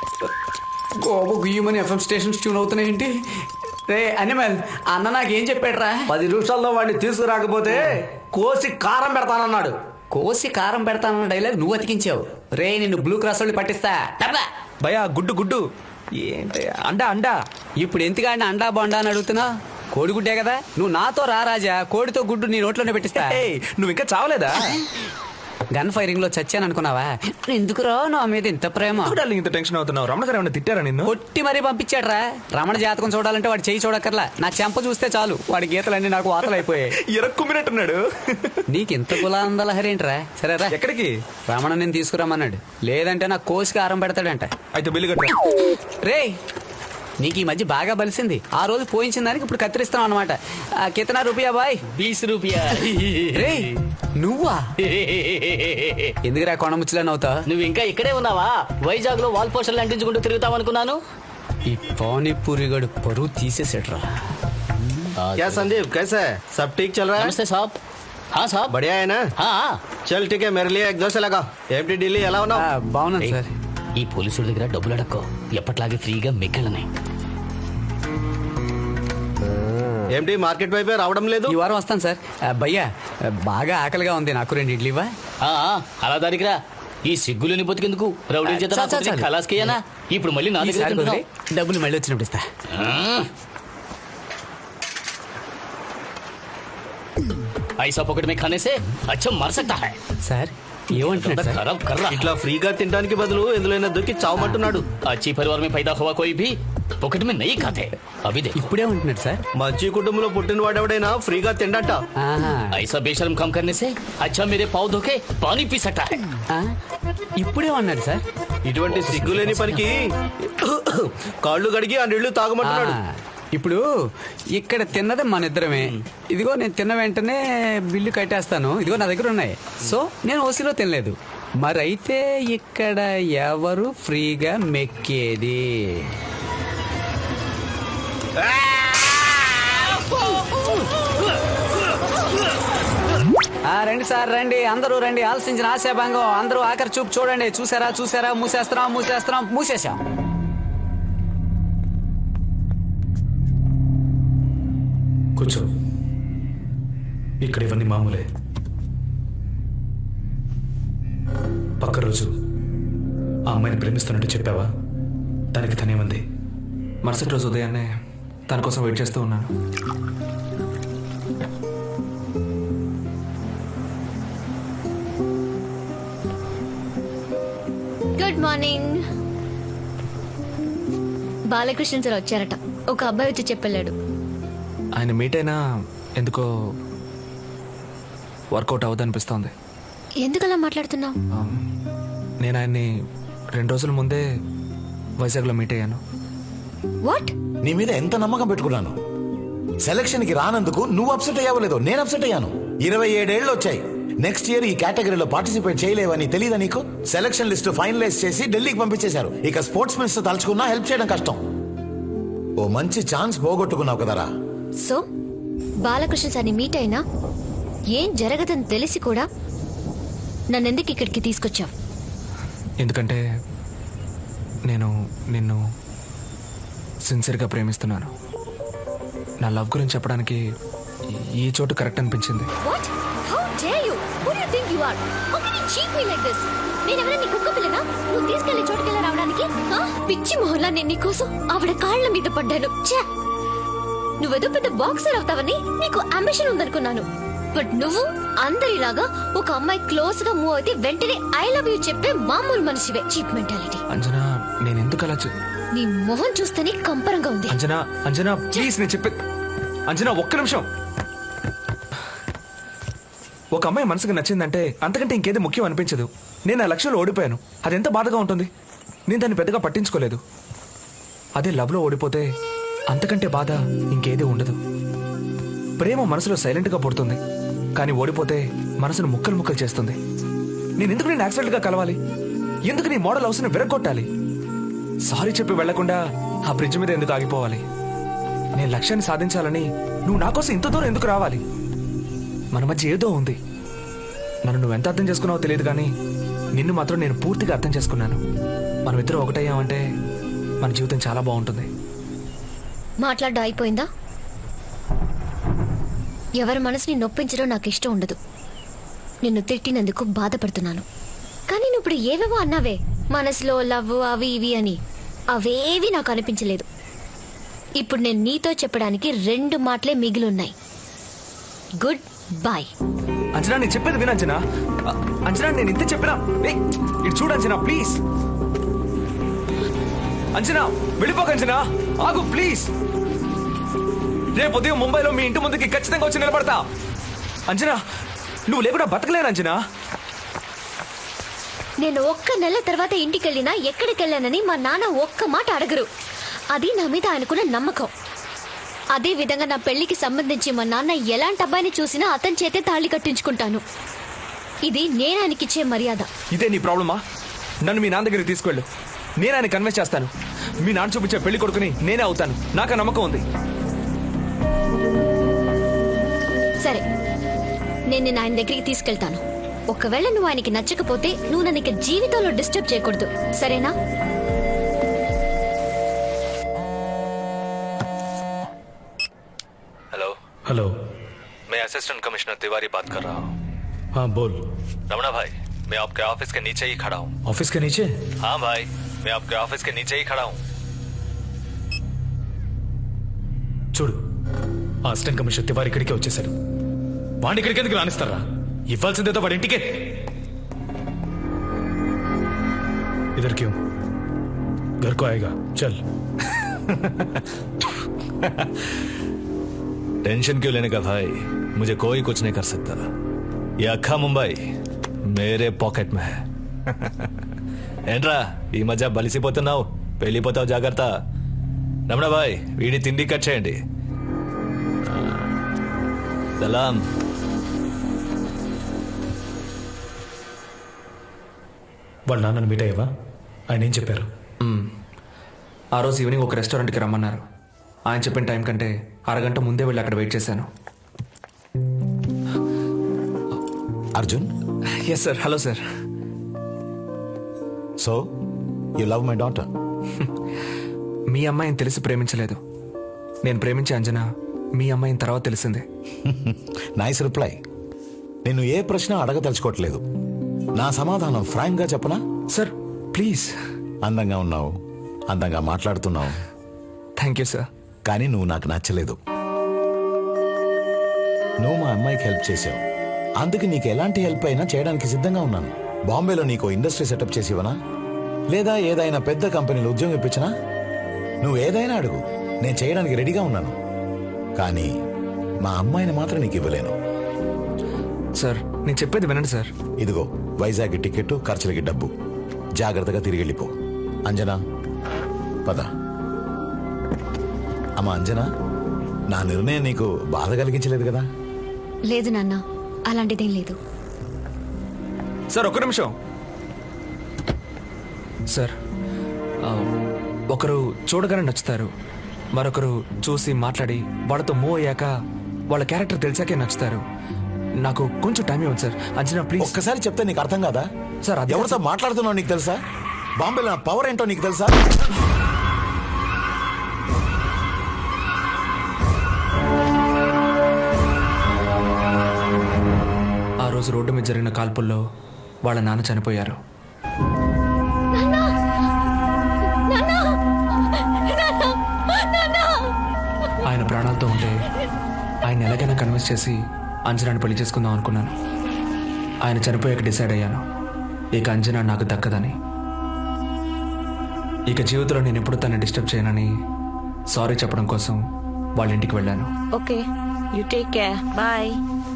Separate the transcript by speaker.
Speaker 1: గోబు గుయ్యమని FM stations tune అవుతున్నాయేంటి? రే అనిమల్, అన్న నాకేం చెప్పాడురా?
Speaker 2: 10 నిమిషాల్లో వాడిని తీసుకురాకపోతే కోసి కారం పెడతానన్నాడు.
Speaker 1: కోసి కారం పెడతానన్న డైలాగ్ నువ్వు అతికించావు. రే నిన్ను బ్లూ క్రాస్ వాళ్ళు పట్టిస్తా. టప్లా.
Speaker 3: భయా గుడ్డు ఏంటి అండా
Speaker 1: ఇప్పుడు ఎందుకంటే అండా బొండా అని అడుగుతున్నా? కోడిగుడ్డే కదా. నువ్వు నాతో రా రాజా, కోడితో గుడ్డు నీ నోట్లోనే పెట్టిస్తా.
Speaker 3: నువ్వు ఇంకా చావలేదా?
Speaker 1: గన్ ఫైరింగ్ లో చచ్చాను అనుకున్నావా? ఎందుకురా నా మీద ఇంత ప్రేమ?
Speaker 3: ఇంత టెన్షన్ అవుతున్నావు? రమణ గారు ఏమన్నా తిట్టారా నిన్ను?
Speaker 1: కొట్టి మరీ పంపించాడ్రా. రమణ జాతకం చూడాలంటే వాడు చెయ్యి చూడక్కర్లా, నా చెంప చూస్తే చాలు వాడి గీతలన్నీ నాకు వాతలు అయిపోయాయి.
Speaker 3: ఎరక్కుమ్మినట్టున్నాడు.
Speaker 1: నీకు ఇంత కులాందలహరేంట్రా? సరేరా,
Speaker 3: ఎక్కడికి?
Speaker 1: రమణ నేను తీసుకురమ్మన్నాడు. లేదంటే నా కోసికి ఆరం పెడతాడంట.
Speaker 3: అయితే బిల్లు కట్టా.
Speaker 1: రే నీకు ఈ మధ్య బాగా బలిసింది. ఆ రోజు పోయించిన దానికి ఇప్పుడు కత్తిరిస్తున్నావు అనమాట. కితనా రూపాయ బాయ్?
Speaker 4: 20 రూపాయ.
Speaker 1: రే నువ్వా? ఎందుకురా కొండ ముచ్చలని అవుతా?
Speaker 4: నువ్వు ఇంకా ఇక్కడే ఉన్నావా? వైజాగ్ లో వాల్ పోస్టర్లు అంటించుకుంటూ తిరుగుతావు అనుకున్నాను.
Speaker 1: ఈ పానీపూరి గడు పరువు తీసేసేట్రా.
Speaker 2: क्या संदीप, कैसा है? सब ठीक चल रहा है?
Speaker 4: నమస్తే సాబ్. हाँ సాబ్.
Speaker 2: बढ़िया है ना?
Speaker 4: हाँ.
Speaker 2: चल ठीक है, मेरे लिए एक दोस्त लगा. एमटी ఢిల్లీ ఎలా ఉన్నావు?
Speaker 1: బాగున్నాను సార్.
Speaker 4: ఈ పోలీసుల దగ్గర డబ్బులు అడక్కో, ఎప్పట్లాగే ఫ్రీగా మిగిలినాయి.
Speaker 2: ఏంటి మార్కెట్ వైపే రావడం లేదు?
Speaker 1: ఈ వారం వస్తాను సార్. భయ్యా బాగా ఆకలిగా ఉంది, నాకు 2 ఇడ్లీవా?
Speaker 4: అలా దానికి రా. ఈ సిగ్గులని బతికెందుకు? రౌడీ చేత
Speaker 1: చాలు, చాలు, చాలు.
Speaker 4: ఖలాస్కేయనా? ఇప్పుడు మళ్ళీ నా దగ్గర
Speaker 1: ఈసారి
Speaker 4: తింటున్నావు.
Speaker 1: కుదిరి, డబ్బులు మళ్ళీ వచ్చినప్పుడు ఇస్తా.
Speaker 4: ऐसा पॉकेट में खाने से अच्छा मर सकता है.
Speaker 1: సార్ ఏమంటున్నాడు సార్?
Speaker 4: खराब कर रहा है.
Speaker 2: ఇట్లా ఫ్రీగా తినడానికి బదులు ఎందులోనే దొరికి చావమంటున్నాడు.
Speaker 4: अच्छी परिवार में पैदा हुआ कोई भी पॉकेट में नहीं खाते. अभी देखो.
Speaker 1: ఇప్పుడే ఉంటున్నాడు సార్.
Speaker 2: మంచి కుటుంబంలో పుట్టిన వాడెవడైనా ఫ్రీగా తిండట.
Speaker 1: ఆహా.
Speaker 4: ऐसा बेशर्म काम करने से अच्छा मेरे पाँव धोके पानी पी सकता है.
Speaker 1: ఆ, ఇప్పుడే ఉన్నాడు సార్.
Speaker 2: ఇటువంటి సిగ్గులేని పనికి కాళ్ళు కడిగి ఆ నీళ్లు తాగమంటున్నాడు.
Speaker 1: ఇప్పుడు ఇక్కడ తిన్నది మన ఇద్దరమే. ఇదిగో నేను తిన్న వెంటనే బిల్లు కట్టేస్తాను. ఇదిగో నా దగ్గర ఉన్నాయి. సో నేను ఓసీలో తినలేదు. మరైతే ఇక్కడ ఎవరు ఫ్రీగా మెక్కేది? రండి సార్ రండి, అందరూ రండి. ఆలోచించిన ఆశాభంగం. అందరూ ఆఖరి చూపు చూడండి. చూసారా? మూసేసాం.
Speaker 5: కూర్చో. ఇక్కడ ఇవన్నీ మామూలే. పక్క రోజు ఆ అమ్మాయిని ప్రేమిస్తున్నట్టు చెప్పావా? దానికి తనేమంది?
Speaker 3: మరుసటి రోజు ఉదయాన్నే తన కోసం వెయిట్ చేస్తూ ఉన్నాను.
Speaker 6: Good morning. బాలకృష్ణ సార్ వచ్చారట. ఒక అబ్బాయి వచ్చి చెప్పెళ్ళాడు.
Speaker 3: ఆయన మీట్ అయినా ఎందుకో వర్కౌట్ అవ్వదనిపిస్తోంది.
Speaker 6: ఎందుకలా మాట్లాడుతున్నావు?
Speaker 3: నేను ఆయన్ని 2 రోజుల ముందే వైజాగ్లో మీట్ అయ్యాను.
Speaker 6: వాట్?
Speaker 7: నీ మీద ఎంత నమ్మకం పెట్టుకున్నాను. సెలక్షన్ కి రానందుకు నువ్వు అప్సెట్ అయ్యావో లేదో నేను అప్సెట్ అయ్యాను. 27 ఏళ్ళు వచ్చాయి. నెక్స్ట్ ఇయర్ ఈ కేటగిరీలో పార్టిసిపేట్ చేయలేవని తెలీదా నీకు? సెలక్షన్ లిస్ట్ ఫైనలైజ్ చేసి ఢిల్లీకి పంపించేశారు. ఇక స్పోర్ట్స్ మినిస్టర్ తలుచుకున్నా హెల్ప్ చేయడం కష్టం. ఓ మంచి ఛాన్స్ పోగొట్టుకున్నావు కదరా.
Speaker 6: సో బాలకృష్ణ సార్ని మీట్ అయినా ఏం జరగదని తెలిసి కూడా నన్నెందుకు ఇక్కడికి తీసుకొచ్చావు?
Speaker 3: ఎందుకంటే నేను నిన్ను సిన్సియర్గా ప్రేమిస్తున్నాను. నా లవ్ గురించి చెప్పడానికి ఈ చోటు కరెక్ట్ అనిపించింది.
Speaker 6: What? How dare you? Who do you think you are? How can you cheat me like this? నేనెవరైనా నీ కుక్క పిల్లనా? నువ్వు తీసుకెళ్లే చోటుకెళ్ళి రావడానికి? పిచ్చి మొహల్లా నేను నీకోసం ఆవిడ కాళ్ళ మీద పడ్డాను. ఛే! నువ్వేదో పెద్ద బాక్సర్ అవుతావని నీకు అంబిషన్ ఉందనుకున్నాను. బట్ నువ్వు అందరిలాగా ఒక అమ్మాయి క్లోజ్ గా మూవ్ అయితే వెంటనే ఐ లవ్ యూ చెప్పే మామూలు మనిషివే. Cheap mentality.
Speaker 3: అంజనా, నేను ఎందుకు అలా
Speaker 6: నీ మొహం చూస్తేనే కంపరంగా ఉంది.
Speaker 3: అంజనా ప్లీజ్, నేను చెప్పే. అంజనా ఒక్క నిమిషం. ఒక అమ్మాయి మనసుకు నచ్చిందంటే అంతకంటే ఇంకేది ముఖ్యం అనిపించదు. నేను ఆ లక్ష్యంలో ఓడిపోయాను. అది ఎంత బాధగా ఉంటుంది. నేను దాన్ని పెద్దగా పట్టించుకోలేదు. అదే లవ్లో ఓడిపోతే అంతకంటే బాధ ఇంకేది ఉండదు. ప్రేమ మనసులో సైలెంట్గా పుడుతుంది, కానీ ఓడిపోతే మనసును ముక్కలు ముక్కలు చేస్తుంది. నేను ఎందుకు నేను యాక్సిడెంట్గా కలవాలి? ఎందుకు నీ మోడల్ హౌస్ని విరగొట్టాలి? సారీ చెప్పి వెళ్లకుండా ఆ బ్రిడ్జ్ మీద ఎందుకు ఆగిపోవాలి? నేను లక్ష్యాన్ని సాధించాలని నువ్వు నా కోసం ఇంత దూరం ఎందుకు రావాలి? మన మధ్య ఏదో ఉంది. నన్ను నువ్వు ఎంత అర్థం చేసుకున్నావో తెలియదు, కానీ నిన్ను మాత్రం నేను పూర్తిగా అర్థం చేసుకున్నాను. మనం ఇద్దరు ఒకటయ్యామంటే మన జీవితం చాలా బాగుంటుంది.
Speaker 6: మాట్లాడడం అయిపోయిందా? ఎవరి మనసుని నొప్పించడం నాకు ఇష్టం ఉండదు. నిన్ను తిట్టినందుకు బాధపడుతున్నాను. కానీ నువ్వు ఇప్పుడు ఏవేవో అన్నావే, మనసులో లవ్ అవి ఇవి అని, అవేవి నాకు అనిపించలేదు. ఇప్పుడు నేను నీతో చెప్పడానికి 2 మాటలే మిగిలిన్నాయి. Good bye.
Speaker 3: అంజనా నేను చెప్పేది విను అంజనా. అంజనా నేను ఇంత చెప్పినా ఇటు చూడు అంజనా ప్లీజ్. అంజనా వెళ్ళిపోక అంజనా, ఆగు ప్లీజ్. రేపు ఉదయం ముంబైలో మీ ఇంటి ముందుకి ఖచ్చితంగా వచ్చి నిలబడతా. అంజనా నువ్వు లేకుండా బతకలేను అంజనా.
Speaker 6: నేను 1 నెల తర్వాత ఇంటికి వెళ్ళినా ఎక్కడికి వెళ్ళానని మా నాన్న ఒక్క మాట అడగరు. అది నా మీద ఆయనకున్న నమ్మకం. అదే విధంగా నా పెళ్లికి సంబంధించి మా నాన్న ఎలాంటి అబ్బాయిని చూసినా అతని చేతే తాళి కట్టించుకుంటాను. ఇది నేను ఆయనకిచ్చే మర్యాద.
Speaker 3: ఇదే నీ ప్రాబ్లమా? నన్ను మీ నాన్న దగ్గరికి తీసుకెళ్ళు, నేను ఆయన కన్విన్స్ చేస్తాను. మీ నాన్న చూపించే పెళ్లి కొడుకుని నేనే అవుతాను, నాకు ఆ నమ్మకం ఉంది.
Speaker 6: సరే, నేను నిన్ను ఆయన దగ్గరికి తీసుకెళ్తాను. ఒకవేళ నువ్వు ఆయనకి నచ్చకపోతే నువ్వు నన్ను ఇక జీవితంలో డిస్టర్బ్ చేయకూడదు, సరేనా?
Speaker 3: हेलो
Speaker 5: हेलो,
Speaker 3: मैं असिस्टेंट कमिश्नर तिवारी बात कर रहा हूँ.
Speaker 5: हाँ बोल.
Speaker 3: रमना भाई, मैं आपके ऑफिस के नीचे ही खड़ा हूँ.
Speaker 5: ऑफिस के नीचे?
Speaker 3: हाँ भाई, मैं आपके ऑफिस के नीचे ही खड़ा हूँ.
Speaker 5: చూడు, ఆ అసిస్టెంట్ కమిషనర్ తివారి ఇక్కడికే వచ్చేసాడు. వాడిని ఇక్కడికి ఎందుకు రానిస్తారా? ఇవ్వాల్సిందేదో వాడి ఇంటికే. इधर क्यों? घर को आएगा, चल.
Speaker 2: टेंशन क्यों लेने का भाई, मुझे कोई कुछ नहीं कर सकता. ये अक्खा मुंबई मेरे पॉकेट में है. ఏంట్రా ఈ మధ్య బలిసిపోతున్నావు, వెళ్ళిపోతావు, జాగ్రత్త. రమణ భాయ్, వీడి తిండి కట్ చేయండి. సలాం.
Speaker 5: వాళ్ళ నాన్నను మీట్ అయ్యావా? ఆయన ఏం చెప్పారు?
Speaker 3: ఆ రోజు ఈవినింగ్ ఒక రెస్టారెంట్కి రమ్మన్నారు. ఆయన చెప్పిన టైం కంటే అరగంట ముందే వెళ్ళి అక్కడ వెయిట్ చేశాను.
Speaker 7: Arjun,
Speaker 3: yes sir. Hello sir.
Speaker 7: So you love my daughter?
Speaker 3: మీ అమ్మాయిని తెలిసి ప్రేమించలేదు, నేను ప్రేమించే అంజనా మీ అమ్మాయిని తర్వాత తెలిసిందే.
Speaker 7: Nice reply. నేను ఏ ప్రశ్న అడగదలుచుకోవట్లేదు. నా సమాధానం ఫ్రాంక్ గా చెప్పనా?
Speaker 3: Sir please.
Speaker 7: అందంగా ఉన్నావు, అందంగా మాట్లాడుతున్నావు,
Speaker 3: థ్యాంక్ యూ సార్.
Speaker 7: కానీ నువ్వు నాకు నచ్చలేదు. నువ్వు మా అమ్మాయికి హెల్ప్ చేసావు, అందుకు నీకు ఎలాంటి హెల్ప్ అయినా చేయడానికి సిద్ధంగా ఉన్నాను. బాంబేలో నీకు ఇండస్ట్రీ సెటప్ చేసి ఇవ్వనా, లేదా ఏదైనా పెద్ద కంపెనీలో ఉద్యోగం ఇప్పించనా? నువ్వు ఏదైనా అడుగు, నేను చేయడానికి రెడీగా ఉన్నాను. కానీ మా అమ్మాయిని మాత్రం నీకు ఇవ్వలేను.
Speaker 3: సార్ నేను చెప్పేది వినండి సార్.
Speaker 7: ఇదిగో వైజాగ్ టికెట్, ఖర్చులకి డబ్బు. జాగ్రత్తగా తిరిగి వెళ్ళిపో. అంజనా పద. అమ్మా అంజనా, నా నిర్ణయం నీకు బాధ కలిగించలేదు కదా?
Speaker 6: లేదు నాన్న, అలాంటిదేం లేదు.
Speaker 3: సార్ ఒక్క నిమిషం. సార్ ఒకరు చూడగానే నచ్చుతారు, మరొకరు చూసి మాట్లాడి వాళ్ళతో మూవ్ అయ్యాక వాళ్ళ క్యారెక్టర్ తెలిసాకే నచ్చుతారు. నాకు కొంచెం టైం ఇవ్వండి సార్. అంజనా ప్లీజ్.
Speaker 7: ఒక్కసారి చెప్తే నీకు అర్థం కాదా?
Speaker 3: సార్ అది
Speaker 7: ఎవరితో మాట్లాడుతున్నావు నీకు తెలుసా? బాంబేలో నా పవర్ ఏంటో నీకు తెలుసా?
Speaker 3: ఆ రోజు రోడ్డు మీద జరిగిన కాల్పుల్లో వాళ్ళ నాన్న చనిపోయారు. ఆయన ప్రాణాలతో ఉంటే ఆయన ఎలాగైనా కన్విన్స్ చేసి అంజనాని పెళ్లి చేసుకుందాం అనుకున్నాను. ఆయన చనిపోయాక డిసైడ్ అయ్యాను, ఇక అంజనా నాకు దక్కదని. ఇక జీవితంలో నేను ఎప్పుడు తనని డిస్టర్బ్ చేయనని సారీ చెప్పడం కోసం వాళ్ళ ఇంటికి వెళ్ళాను.
Speaker 8: Okay, you take care. Bye.